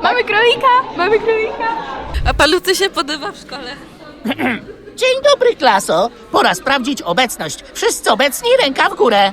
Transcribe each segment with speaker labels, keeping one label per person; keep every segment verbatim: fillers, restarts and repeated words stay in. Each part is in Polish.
Speaker 1: Mamy królika, mamy królika.
Speaker 2: A panu co się podoba w szkole?
Speaker 3: Dzień dobry, klaso. Pora sprawdzić obecność. Wszyscy obecni, ręka w górę.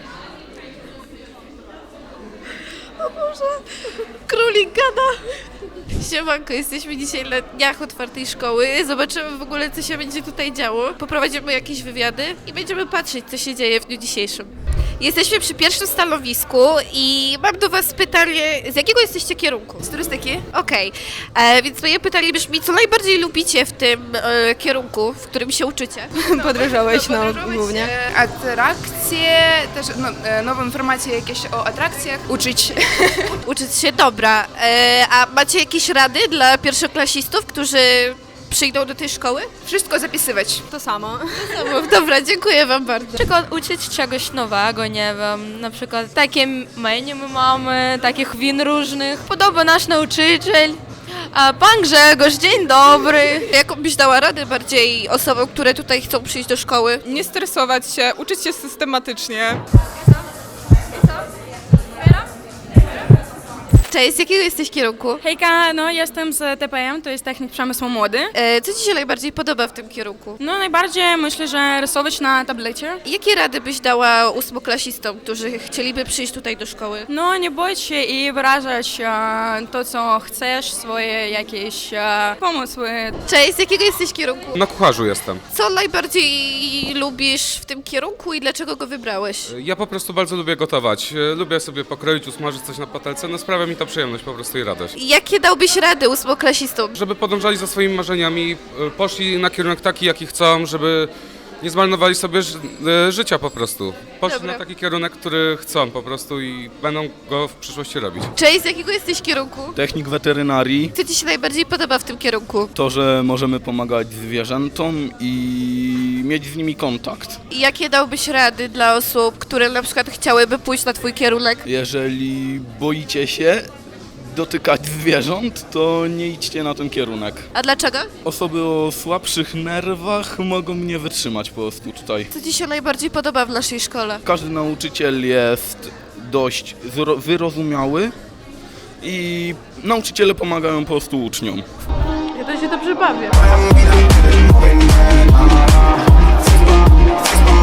Speaker 2: Królik gada. Siemanko, jesteśmy dzisiaj na dniach otwartej szkoły. Zobaczymy w ogóle, co się będzie tutaj działo. Poprowadzimy jakieś wywiady i będziemy patrzeć, co się dzieje w dniu dzisiejszym. Jesteśmy przy pierwszym stanowisku i mam do was pytanie, z jakiego jesteście kierunku? Z turystyki? Okej, okay. Więc moje pytanie brzmi, co najbardziej lubicie w tym e, kierunku, w którym się uczycie?
Speaker 1: Podróżować, no,
Speaker 4: Podróżować,
Speaker 1: głównie.
Speaker 4: e, atrakcje, też no, e, nowe informacje jakieś o atrakcjach, uczyć.
Speaker 2: Uczyć się, dobra. E, a macie jakieś rady dla pierwszoklasistów, którzy przyjdą do tej szkoły?
Speaker 4: Wszystko zapisywać.
Speaker 1: To samo.
Speaker 2: No, dobra, dziękuję wam bardzo.
Speaker 5: Na przykład uczyć czegoś nowego, nie wiem, na przykład takie menu my mamy, takich win różnych. Podoba nasz nauczyciel. A pan Grzegorz, dzień dobry.
Speaker 2: Jaką byś dała radę bardziej osobom, które tutaj chcą przyjść do szkoły?
Speaker 6: Nie stresować się, uczyć się systematycznie.
Speaker 2: Cześć, z jakiego jesteś kierunku?
Speaker 1: Hejka, no jestem z T P M, to jest Technik Przemysłu Młody.
Speaker 2: E, co ci się najbardziej podoba w tym kierunku?
Speaker 1: No najbardziej myślę, że rysować na tablecie.
Speaker 2: Jakie rady byś dała ósmoklasistom, którzy chcieliby przyjść tutaj do szkoły?
Speaker 1: No nie bój się i wyrażać e, to, co chcesz, swoje jakieś e, pomysły.
Speaker 2: Cześć, z jakiego jesteś kierunku?
Speaker 7: Na kucharzu jestem.
Speaker 2: Co najbardziej lubisz w tym kierunku i dlaczego go wybrałeś?
Speaker 7: Ja po prostu bardzo lubię gotować. Lubię sobie pokroić, usmażyć coś na patelce. No sprawia mi to przyjemność po prostu i radość.
Speaker 2: Jakie dałbyś rady ósmoklasistom?
Speaker 7: Żeby podążali za swoimi marzeniami, poszli na kierunek taki, jaki chcą, żeby nie zmarnowali sobie ży życia po prostu. Poszli
Speaker 2: Dobra.
Speaker 7: na taki kierunek, który chcą po prostu i będą go w przyszłości robić.
Speaker 2: Cześć, z jakiego jesteś kierunku?
Speaker 8: Technik weterynarii,
Speaker 2: Co ci się najbardziej podoba w tym kierunku?
Speaker 8: to, że możemy pomagać zwierzętom i mieć z nimi kontakt.
Speaker 2: I jakie dałbyś rady dla osób, które na przykład chciałyby pójść na twój kierunek?
Speaker 8: Jeżeli boicie się dotykać zwierząt, to nie idźcie na ten kierunek.
Speaker 2: A dlaczego?
Speaker 8: Osoby o słabszych nerwach mogą nie wytrzymać po prostu tutaj.
Speaker 2: Co ci się najbardziej podoba w naszej szkole?
Speaker 8: Każdy nauczyciel jest dość zro- wyrozumiały i nauczyciele pomagają po prostu uczniom.
Speaker 2: Ja to się dobrze bawię.